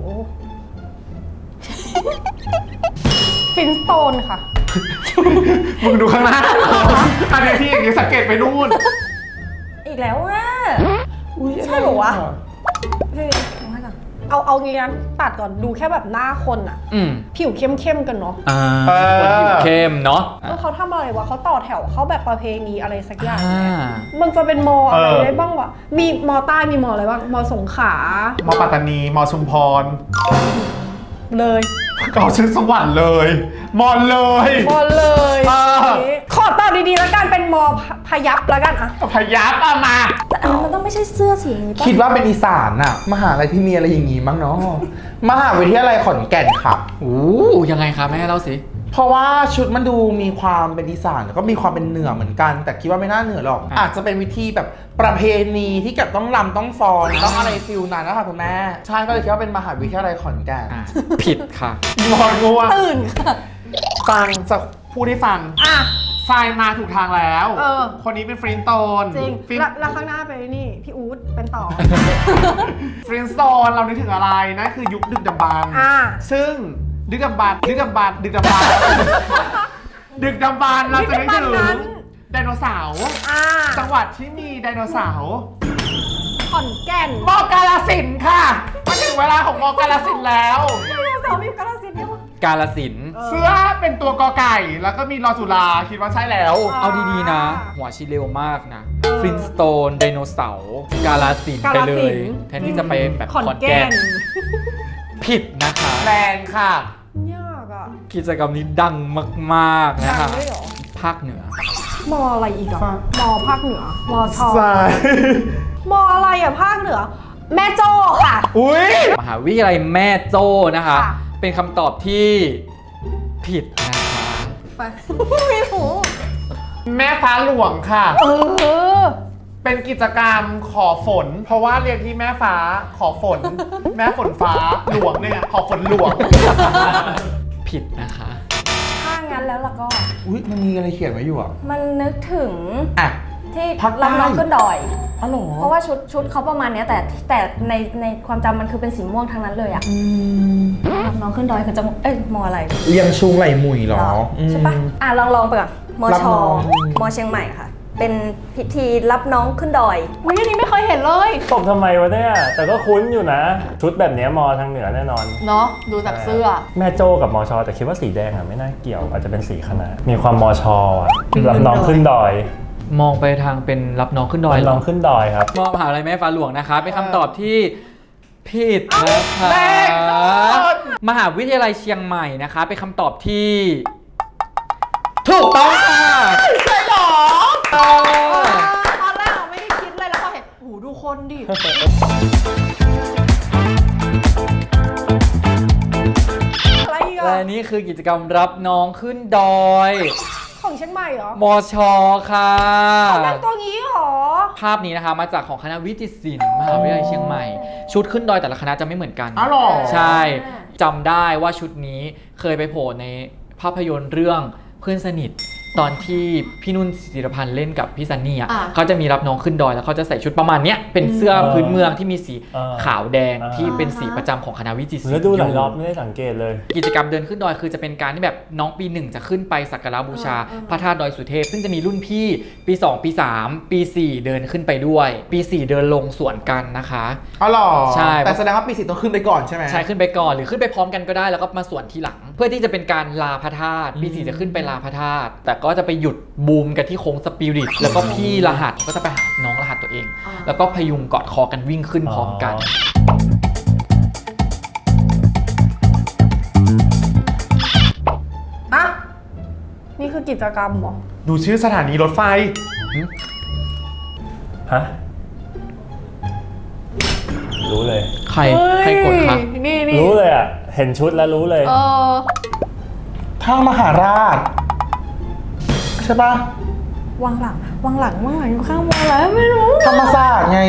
[SPEAKER 1] ฟินสโตนค่ะ
[SPEAKER 3] มึงดูข้างหน้า อันนี้ที่อย่างนี้สังเกตไปนู่น
[SPEAKER 6] อีกแล้วอ่ะใช่เหรอวะเฮ้ยเอาให้ก่อน
[SPEAKER 1] เอางี้นะตัดก่อนดูแค่แบบหน้าคนอะผิวเข้มๆกันเนาะ
[SPEAKER 5] คนผิวเข้มเนาะ
[SPEAKER 1] เขาทำอะไรวะเขาต่อแถวเขาแบบประเพณีอะไรสักอย่างเนี่ยมันจะเป็นมออะไรได้บ้างวะมีมอใต้มีมออะไรบ้างมอสงขลาม
[SPEAKER 3] ปัตตานีมชุมพร
[SPEAKER 1] เลย
[SPEAKER 3] ก็ชื่อสวรรค์เลย มอนเลย
[SPEAKER 1] มอเลยขอตอบดีๆแล้วกันเป็นมอพยับแล้วกันอะ
[SPEAKER 3] พยับมา
[SPEAKER 6] แต่อันนั้นมันต้องไม่ใช่เสื้อสีนี้ป่ะ
[SPEAKER 4] คิดว่าเป็นอีสานอะมหาลัยที่มีอะไรอย่างงี้มั้งเนาะ มหาวิทยาลัยขอนแก่นค่ะ
[SPEAKER 5] โอ้ยังไงคะแม่เล่าสิ
[SPEAKER 4] เพราะว่าชุดมันดูมีความเป็นอีสานแล้วก็มีความเป็นเหนือเหมือนกัน แต่คิดว่าไม่น่าเหนือหรอก อาจจะเป็นวิธีแบบประเพณีที่แบบต้องรำต้องฟ้อนต้องอะไรฟิลนั้นนะคะคุณแม่ใช่ก็เลยคิดว่าเป็นมหาวิทยาลัยขอนแก่น
[SPEAKER 5] ผิดค่ะ
[SPEAKER 3] งอนงัว
[SPEAKER 6] ตื่นค่ะ
[SPEAKER 3] ฟังจะพูดให้ฟัง
[SPEAKER 1] อ่ะ
[SPEAKER 3] ทรายมาถูกทางแล้ว
[SPEAKER 1] เออ
[SPEAKER 3] คนนี้เป็นฟรินโตน
[SPEAKER 1] จริง
[SPEAKER 3] ฟริน
[SPEAKER 1] แล้วข้างหน้าไปนี่ พี่อู๊ดเป็นต่อ
[SPEAKER 3] ฟรินโตนเรานึกถึงอะไรนั่นคือยุคดึกดำบรรพ์
[SPEAKER 1] อ่า
[SPEAKER 3] ซึ่งดึกดำบรรพ์ดึกดำบรรพ์ดึกดำบรรพ์ดึกดำบรรพ์เราจะนึกถึ
[SPEAKER 1] ดึกดำบรรพ์นั้
[SPEAKER 3] ง
[SPEAKER 1] น
[SPEAKER 3] ไดโนเสาร์
[SPEAKER 1] อ่า
[SPEAKER 3] จังหวัดที่มีไดโนเสาร์
[SPEAKER 1] ขอนแก่น
[SPEAKER 3] มอกาฬสินธุ์ค่ะมาถึงเวลาของมอกาฬสินธุ์แล้ว
[SPEAKER 1] สาวมีอยู่กาฬสินธุ์เนี่ยวะ
[SPEAKER 5] กาลสินธุ์
[SPEAKER 3] เสื้อเป็นตัวกอไก่แล้วก็มีรอสุราคิดว่าใช่แล้ว
[SPEAKER 5] เอาดีๆนะ หัวชิเร็วมากนะฟรินสโตนไดโนเสาร์กาลสินธุ์ไปเลย แทนที่จะไปแบบ
[SPEAKER 1] ขอน
[SPEAKER 5] ขอน
[SPEAKER 1] แก่
[SPEAKER 5] แก่
[SPEAKER 1] น
[SPEAKER 5] นผิดนะคะ
[SPEAKER 3] แรงค่ะ
[SPEAKER 1] ยากอ่ะ
[SPEAKER 5] กิจกรรมนี้ดังมากๆนะคะ
[SPEAKER 1] ดังด้วยเหรอ
[SPEAKER 5] ภาคเหนือ
[SPEAKER 1] มออะไรอีกอ่ะมอภาคเหนือมอชอ
[SPEAKER 3] ใช่
[SPEAKER 1] มออะไรอ่ะภาคเหนือ แม่โจ้ค่ะ
[SPEAKER 3] อุ้ย
[SPEAKER 5] มหาวิทยาลัยแม่โจ้นะคะ
[SPEAKER 1] ค่ะ
[SPEAKER 5] เป็นคำตอบที่ผิดนะคะ
[SPEAKER 1] ไปไม่ถูก
[SPEAKER 3] แม่ฟ้าหลวงค่ะ
[SPEAKER 1] เออ
[SPEAKER 3] เป็นกิจกรรมขอฝน เพราะว่าเรียนที่แม่ฟ้าขอฝน แม่ฝนฟ้าหลวงเนี่ยขอฝนหลวง
[SPEAKER 5] ผิดนะคะ
[SPEAKER 6] ถ้างั้นแล้วล่ะก็
[SPEAKER 4] อุ๊ยมันมีอะไรเขียนไว้อยู่อ่ะ
[SPEAKER 6] มันนึกถึง
[SPEAKER 4] อ่ะ
[SPEAKER 6] ที่
[SPEAKER 4] ภาคใต้
[SPEAKER 6] รับน้องขึ้นดอย
[SPEAKER 4] อ๋อเหรอ
[SPEAKER 6] เพราะว่าชุดเขาประมาณเนี้ยแต่ในความจำมันคือเป็นสีม่วงทั้งนั้นเลยอะรับน้องขึ้นดอยคือจะมออะไร
[SPEAKER 4] เรียงชุงไหลหมุยเหรอ
[SPEAKER 6] ใช่ปะลองไปก่อนม
[SPEAKER 4] รับ
[SPEAKER 6] ช
[SPEAKER 4] น้อง
[SPEAKER 6] มเชียงใหม่ค่ะ เป็นพิธีรับน้องขึ้นดอย
[SPEAKER 1] อุ้ยอันนี้ไม่เคยเห็นเลย
[SPEAKER 2] ตบทำไมวะเนี่ย แต่ก็คุ้นอยู่นะ ชุดแบบเนี้ยมอทางเหนือแน่นอน
[SPEAKER 1] เนาะดูจากเสื้อ
[SPEAKER 2] แม่โจ้กับมอชอแต่คิดว่าสีแดงอ่ะไม่น่าเกี่ยวอาจจะเป็นสีคณะ มีความมอชออ่ะรับน้องขึ้นดอย
[SPEAKER 5] มองไปทางเป็นรับน้องขึ้นดอย
[SPEAKER 2] รับ
[SPEAKER 5] เหร
[SPEAKER 2] น้
[SPEAKER 5] อ
[SPEAKER 2] องขึ้นดอยครับ
[SPEAKER 5] มหาวิทยาลัยแม่ฟ้าหลวงนะคะ เป็นคำตอบที่ผิดนะคะ
[SPEAKER 3] แรงก่อน
[SPEAKER 5] มหาวิทยาลัยเชียงใหม่นะคะ เป็นคำตอบที่ ถูกต้องค่ะ
[SPEAKER 3] ใช่หรอ
[SPEAKER 5] เออ
[SPEAKER 1] ตอนแรกเราไม่ได้คิดเลยแล้วพอเห็นโอ้โหดูคนดิ อะไรอีก
[SPEAKER 5] และ
[SPEAKER 1] อ่ะ
[SPEAKER 5] นี่คือกิจกรรมรับน้องขึ้นดอย
[SPEAKER 1] ของเชียงใหม่เหรอ
[SPEAKER 5] มชค่ะ
[SPEAKER 1] นั่งตัวงี้เหรอ
[SPEAKER 5] ภาพนี้นะคะมาจากของคณะวิจิตรศิลป์มหาวิทยาลัยเชียงใหม่ ชุดขึ้นดอยแต่ละคณะจะไม่เหมือนกัน
[SPEAKER 3] อ๋อเหรอ
[SPEAKER 5] ใช่จำได้ว่าชุดนี้เคยไปโผล่ในภาพยนตร์เรื่องเพื่อนสนิท ตอนที่พี่นุ่นศิริพันธ์เล่นกับพี่ซันนี่อ่ะ
[SPEAKER 1] อ่า
[SPEAKER 5] เขาจะมีรับน้องขึ้นดอยแล้วเขาจะใส่ชุดประมาณเนี้ยเป็นเสื้อพื้นเมืองที่มีสี
[SPEAKER 2] อ่า
[SPEAKER 5] ขาวแดง
[SPEAKER 2] อ่า
[SPEAKER 5] ที่เป็นสีประจำของคณะวิจิตรศิลป์
[SPEAKER 2] แล้วดูหลายรอบไม่ได้สังเกตเลย
[SPEAKER 5] กิจกรรมเดินขึ้นดอยคือจะเป็นการที่แบบน้องปี 1 จะขึ้นไปสักการะบูชา พระธาตุดอยสุเทพซึ่งจะมีรุ่นพี่ปี 2 ปี 3 ปี 4 เดินขึ้นไปด้วย ปี 4 เดินลงสวนกันนะคะ
[SPEAKER 4] อ๋อเหรอ
[SPEAKER 5] ใช่
[SPEAKER 4] แต่แสดงว่าปีสิต้องขึ้นไปก่อนใช่ไหม
[SPEAKER 5] ใช่ขึ้นไปก่อนหรือขึ้นไปพร้อมกันก็ได้แล้วก็มาสวนทีหลัง เพื่อที่จะเป็นการลาพระธาตุปี 4 จะขึ้นไปลาพระธาตุแต่ก็จะไปหยุดบูมกันที่โค้งสปิริตแล้วก็พี่รหัสก็จะไปหาน้องรหัสตัวเอง แล้วก็พยุงกอดคอกันวิ่งขึ้นพร้อมกัน
[SPEAKER 1] อ่ะ นี่คือกิจกรรมเหรอ
[SPEAKER 3] ดูชื่อสถานีรถไฟ
[SPEAKER 2] ฮะ รู้เลย
[SPEAKER 5] ใครกดคะ
[SPEAKER 1] นี่
[SPEAKER 2] รู้เลยอ่ะ เห็นชุดแล้วรู้เลย
[SPEAKER 1] เออ
[SPEAKER 4] ท่ามหาราช ใช่ปะ
[SPEAKER 1] วางหลังอยู่ข้างมออะไรไม่รู้
[SPEAKER 4] ธรรมศาสตร์ไง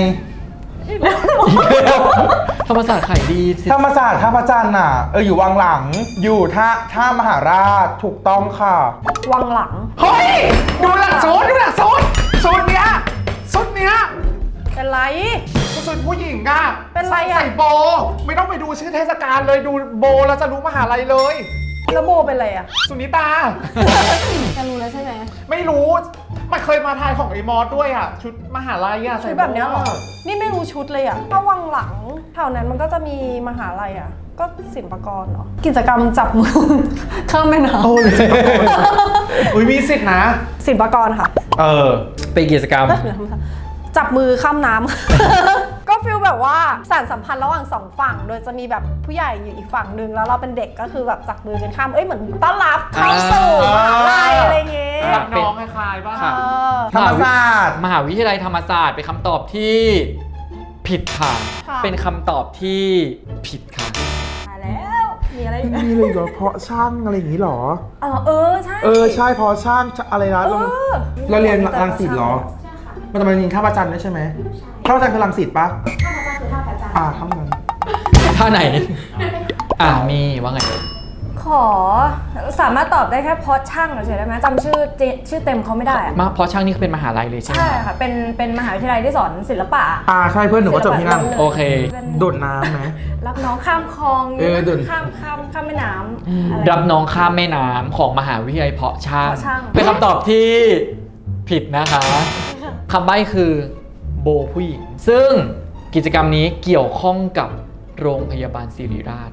[SPEAKER 5] ธรรมศาสตร์ขายดีสิ
[SPEAKER 4] ธรรมศาสตร์ท่าพระจันทร์น่ะ อยู่วังหลัง อยู่ท่ามหาราชถูกต้องค่ะ
[SPEAKER 1] วางหลัง
[SPEAKER 3] เฮ้ย ดูหลักสูตรดูหลักสูตรสูตรเนี้ยสูตรเนี้ย
[SPEAKER 1] เป็นไร
[SPEAKER 3] สูตรผู้หญิงอะ
[SPEAKER 1] เป็นไรอะ
[SPEAKER 3] ใส่โบ ไม่ต้องไปดูชื่อเทศกาลเลยดูโบแล้วจะรู้มหาลัยเลย
[SPEAKER 1] แล้วโบเป็นไรอ่ะ
[SPEAKER 3] สุนิตา
[SPEAKER 1] จะรู้แล้วใช่ไหม
[SPEAKER 3] ไม่รู้มันเคยมาทายของไอ้มอสด้วยอ่ะ ชุดมหาลัยอ่ะ
[SPEAKER 1] ชุดแบบเนี้ยเหรอ นี่ไม่รู้ชุดเลยอ่ะถ้าวังหลังแถวนั้นมันก็จะมีมหาลัยอ่ะ ก็ศิลปากรเหรอ กิจกรรมจับมือ ข้ามแม่น้
[SPEAKER 3] โอ้ยอุ้ยมีสิทธินะ
[SPEAKER 1] ำศิลปากรค่ะ
[SPEAKER 5] เป็นกิจกรรม
[SPEAKER 1] จับมือข้ามน้ำ ก็ฟีลแบบว่าสานสัมพันธ์ระหว่างสองฝั่ง โดยจะมีแบบผู้ใหญ่อยู่อีกฝั่งหนึ่งแล้วเราเป็นเด็กก็คือแบบจับมือกันข้าม เหมือนต้อนรับเข้าสู่มหาลัยอะไรเงี้ย
[SPEAKER 3] รับน้องคล้ายๆป่ะ
[SPEAKER 5] ค่ะ
[SPEAKER 1] เออ
[SPEAKER 4] ธรรมศาสตร์
[SPEAKER 5] มหาวิทยาลัยธรรมศาสตร์เป็นคำตอบที่ผิดค่ะ
[SPEAKER 1] ค่ะ
[SPEAKER 5] เป็นคำตอบที่ผิดค่ะ
[SPEAKER 6] มาแล้วมีอะไรอีกไหม
[SPEAKER 4] มีเลยเหรอเพาะช่างอะไรอย่างนี้เหรอ
[SPEAKER 6] ใช่
[SPEAKER 4] ใช่เพาะช่างอะไรนะเราเรียนรังสิตเหรอมันจะมาเรียนท่าประจันทร์ด้วยใช่ไหมท่าประจันทร์คือรังสิตปะท่าประจันทร์คือท่าประจันทร์ท่านั้น
[SPEAKER 5] ท่าไหน มีว่าไง
[SPEAKER 6] ขอสามารถตอบได้แค่เพราะช่างเฉยๆได้ไหมจำชื่อเต็มเขาไม่ได้อะ
[SPEAKER 5] เพราะช่างนี่เป็นมหาลัยเลยใช่ไหม
[SPEAKER 6] ใช่ค่ะเป็นมหาวิทยาลัยที่สอนศิลปะ
[SPEAKER 4] ใช่เพื่อนหนูก็จบที่นั่น
[SPEAKER 5] โอเค
[SPEAKER 4] โดดน้ำไหม
[SPEAKER 6] รับน้องข้ามคลอง
[SPEAKER 4] โดด
[SPEAKER 6] ข้ามแม่น้ำอะไร
[SPEAKER 5] รับน้องข้ามแม่น้ำของมหาวิทยาลัยเพาะช่าง
[SPEAKER 6] เพาะช่าง
[SPEAKER 5] เป็นคำตอบที่ผิดนะคะคำใบ้คือโบผู้หญิง ซึ่งกิจกรรมนี้เกี่ยวข้องกับโรงพยาบาลศิริราช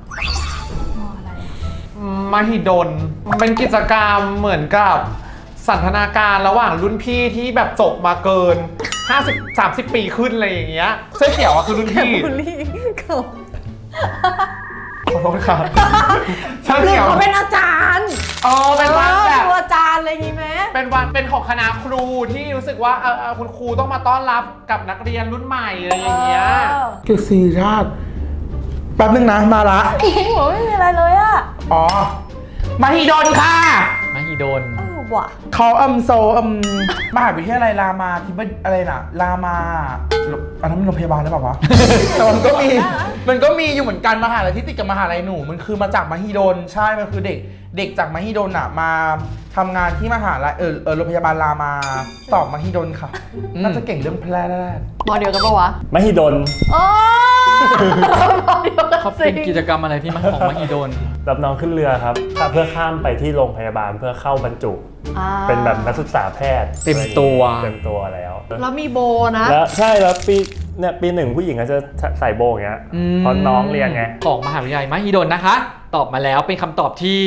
[SPEAKER 3] มหิดลเป็นกิจกรรมเหมือนกับสันทนาการระหว่างรุ่นพี่ที่แบบจบมาเกิน 50-30 ปีขึ้นอะไรอย่างเงี้ยเสื้อเขียวอะคือรุ่นพี่
[SPEAKER 6] บุลลี่เขา
[SPEAKER 3] ขอโทษครับเสื้อ
[SPEAKER 6] หรือ
[SPEAKER 3] เขียว
[SPEAKER 6] เขาเป็นอาจารย์
[SPEAKER 3] เป็นวันแบบ
[SPEAKER 6] ดูอาจารย์อะไรอย่างงี้ไหม
[SPEAKER 3] เป็นวันเป็นของคณะครูที่รู้สึกว่าคุณครูต้องมาต้อนรับกับนักเรียนรุ่นใหม่อะไรอย่างเงี้ย
[SPEAKER 4] เกิดศิริราชแป๊บนึงนะมาละ
[SPEAKER 6] หัวไม่มีอะไรเลยอะ
[SPEAKER 4] อ๋อมหิดลค่ะ
[SPEAKER 5] มหิดล
[SPEAKER 6] ว่ะ
[SPEAKER 4] เขามหาวิทยาลัยรามาที่บ้านอะไรนะรามาอันนั้นมันโรงพยาบาลหรือเปล่าวะ แต่มันก็มีอยู่เหมือนกันมหาลัยที่ติดกับมหาลัยหนูมันคือมาจากมหิดลใช่มันคือเด็กจากมหิดลอ่ะมาทำงานที่มหาลัยโรงพยาบาลรามาตอบมหิดลค่ะน่าจะเก่งเรื่องแพทย์
[SPEAKER 8] มอเดียวกันปะวะ
[SPEAKER 2] มหิดล
[SPEAKER 8] โอ้มอเดียวกัน
[SPEAKER 5] เขาเป็นกิจกรรมอะไรที่มาของมหิดล
[SPEAKER 2] รับน้องขึ้นเรือครับเพื่อข้ามไปที่โรงพยาบาลเพื่อเข้าบรรจุ เป็นแบบนักศึกษาแพทย์
[SPEAKER 5] เต็มตัว
[SPEAKER 2] เต็มตัวแล้ว
[SPEAKER 8] แล้วมีโบนะ
[SPEAKER 2] แล้วใช่แล้วปีหนึ่งผู้หญิงก็จะใส่โบอย่างเงี้ยเพราะน้องเรียนไง
[SPEAKER 5] ของมหาวิทยาลัยมหิดลนะคะ ตอบมาแล้วเป็นคำตอบที่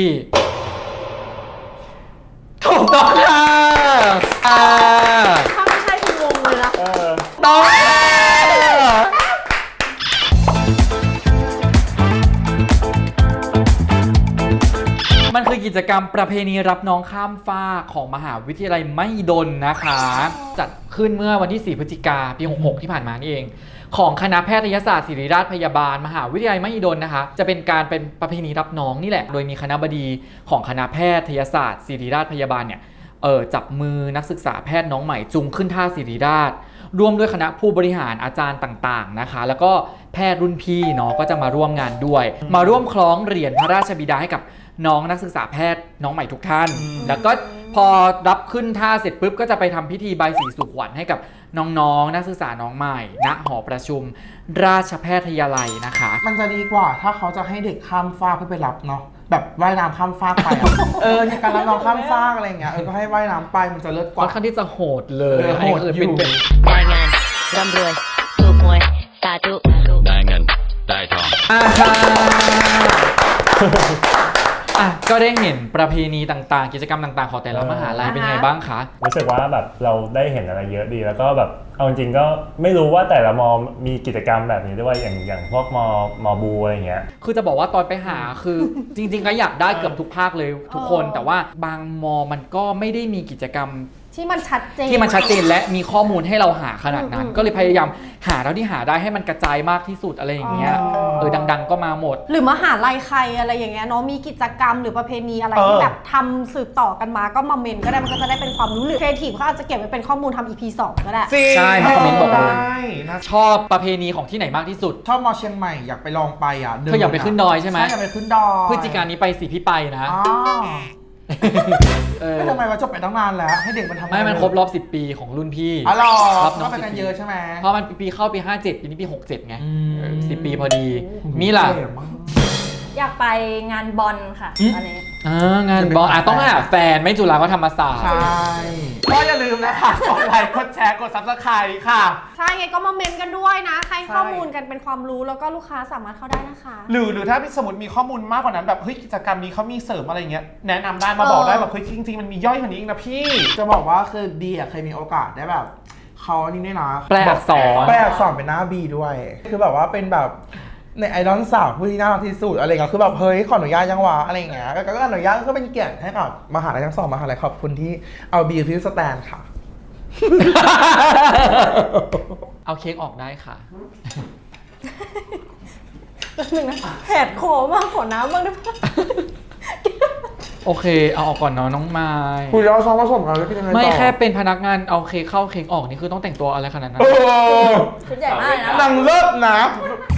[SPEAKER 5] ถูกต้องค่ะ
[SPEAKER 8] ถ้าไม่ใช่คืองงเลยนะ
[SPEAKER 5] ต้องมันคือกิจกรรมประเพณีรับน้องข้ามฟากของมหาวิทยาลัยมหิดลนะคะ จัดขึ้นเมื่อวันที่ 4 พฤศจิกาปี 66 ที่ผ่านมานี่เอง ของคณะแพทยศาสตร์ศิริราชพยาบาลมหาวิทยาลัยมหิดลนะคะ จะเป็นการเป็นประเพณีรับน้องนี่แหละ โดยมีคณบดีของคณะแพทยศาสตร์ศิริราชพยาบาลเนี่ยจับมือนักศึกษาแพทย์น้องใหม่จูงขึ้นท่าศิริราชร่วมด้วยคณะผู้บริหารอาจารย์ต่างๆนะคะ แล้วก็แพทย์รุ่นพี่เนาะก็จะมาร่วมงานด้วย มาร่วมคล้องเหรียญพระราชบิดาให้กับน้องนักศึกษาแพทย์น้องใหม่ทุกท่าน แล้วก็พอรับขึ้นท่าเสร็จปุ๊บก็จะไปทำพิธีใบสีสู่ขวัญให้กับน้องๆนักศึกษาน้องใหม่ณหอประชุมราชแพทยาลัยนะคะ
[SPEAKER 4] มันจะดีกว่าถ้าเขาจะให้เด็กข้ามฟากเพื่อไปรับเนาะแบบว่ายน้ำข้ามฟากไปอะ ในการรับน้องข้ามฟากอะไรอย่างเงี้ยก็ให้ว่ายน้ำไปมันจะเลิศก
[SPEAKER 5] ค่อ
[SPEAKER 4] ว่า
[SPEAKER 5] นข้างที่จะโหดเลย
[SPEAKER 4] โหดอยู่
[SPEAKER 5] เป็น
[SPEAKER 7] รายงานร่ำรวยถูกหวยสาธุ
[SPEAKER 9] ได้เงิน ได้ทอง
[SPEAKER 5] ก็ได้เห็นประเพณีต่างๆ กิจกรรมต่างๆของแต่ละมหาลัยเป็นไงบ้างคะ
[SPEAKER 2] รู้สึกว่าแบบเราได้เห็นอะไรเยอะดีแล้วก็แบบเอาจริงๆก็ไม่รู้ว่าแต่ละมอมีกิจกรรมแบบนี้ด้วยอย่างพวกมอบูอะไรอย่างเงี้ย
[SPEAKER 5] คือจะบอกว่าตอนไปหาคือ จริงๆก็อยากได้เกือบทุกภาคเลยทุกคน แต่ว่าบางมอมันก็ไม่ได้มีกิจกรรม
[SPEAKER 6] ที่มันชัดเจน
[SPEAKER 5] ที่มันชัดเจนและมีข้อมูลให้เราหาขนาดนั้น ก็เลยพยายามหาเท่าที่หาได้ให้มันกระจายมากที่สุดอะไรอย่างเงี้ยดังๆก็มาหมด
[SPEAKER 1] หรือมหาลัยใครอะไรอย่างเงี้ยเนาะมีกิจกรรมหรือประเพณีอะไรที่แบบทำสืบต่อกันมาก็มาเมนก็ได้มันก็จะได้เป็นความรู้หรือครีเอทีฟเขาอาจจะเก็บไว้เป็นข้อมูลทำ EP 2 ก็ได้
[SPEAKER 3] จริง
[SPEAKER 5] ใช่คอมเมนต์บอกเลย
[SPEAKER 3] ได้นะ
[SPEAKER 5] ชอบประเพณีของที่ไหนมากที่สุด
[SPEAKER 4] ชอบมอเชียงใหม่อยากไปลองไปอ่ะ
[SPEAKER 5] เธออยากไปขึ้นดอยใช่ไหม
[SPEAKER 4] ใช่อยากไปขึ้นดอย
[SPEAKER 5] พฤศจิกายนนี้ไปสิพี่ไปนะ
[SPEAKER 4] อ๋อ ไม่ทำไมวะจบไปตั้งนานแล้วให้เด็กมันทำ
[SPEAKER 5] ไม่มันครบรอบ10 ปีของรุ่นพี่
[SPEAKER 4] อ๋อเหรอ
[SPEAKER 5] รับน้
[SPEAKER 4] ก็
[SPEAKER 5] อง
[SPEAKER 4] ไปกัน
[SPEAKER 5] 10
[SPEAKER 4] เยอะใช่ไหม
[SPEAKER 5] เพราะมันปีเข้าปี 57 ปีนี้ปี 67 ไง
[SPEAKER 4] อืม
[SPEAKER 5] 10 ปีพอดี มีล่ะ
[SPEAKER 4] เจ๋งมาก
[SPEAKER 6] อยากไปงานบอลค่ะตอนนี้
[SPEAKER 5] งานบอลต้องหาแฟนไม่จุฬาก็ธรรมศาสตร์
[SPEAKER 4] ใช่
[SPEAKER 3] ก็อย่าลืมนะคะกดไลค์กดแชร์กด Subscribe ค่ะ
[SPEAKER 1] ใช่ไงก็มาเมนกันด้วยนะให้ข้อมูลกันเป็นความรู้แล้วก็ลูกค้าสามารถเข้าได้นะคะ
[SPEAKER 3] หรือถ้าสมมติมีข้อมูลมากกว่านั้นแบบเฮ้ยกิจกรรมนี้เขามีเสริมอะไรเงี้ยแนะนำได้มาบอกได้แบบเฮ้ยจริงๆมันมีย่อยกว่านี้อีกนะพี่
[SPEAKER 4] จะบอกว่าคือดีอ่ะเคยมีโอกาสได้แบบเขานี่ด้วยนะ
[SPEAKER 5] แปลอักษร
[SPEAKER 4] แปลอักษรเป็นหน้าบีด้วย คือแบบว่าเป็นแบบในไอดอลสาวผู้ที่น่ารักที่สุดอะไรเงี้ยคือแบบเฮ้ยขออนุญาตยังวะอะไรเงี้ยก็อนุญาตก็เป็นเกียรติให้กับมหาลัยทั้งสองมหาลัยขอบคุณที่เอาบีฟิวสแตนค่ะ
[SPEAKER 5] เอาเค้กออกได้ค่ะ
[SPEAKER 6] แป๊บนึงนะแหดคอมากขอน้ำบ้างได้ปะ
[SPEAKER 5] โอเคเอาออกก่อนเนาะน้องไม้
[SPEAKER 4] คุยแล้วซ้อมผสมกันแล้วกินยังไงต่อ
[SPEAKER 5] ไม่แค่เป็นพนักงานเอาเค้กเข้าเค้กออกนี่คือต้องแต่งตัวอะไรขนาดนั้น
[SPEAKER 4] เออ
[SPEAKER 6] ชุดใหญ่มากเลยนะ
[SPEAKER 4] นางเลิศนะ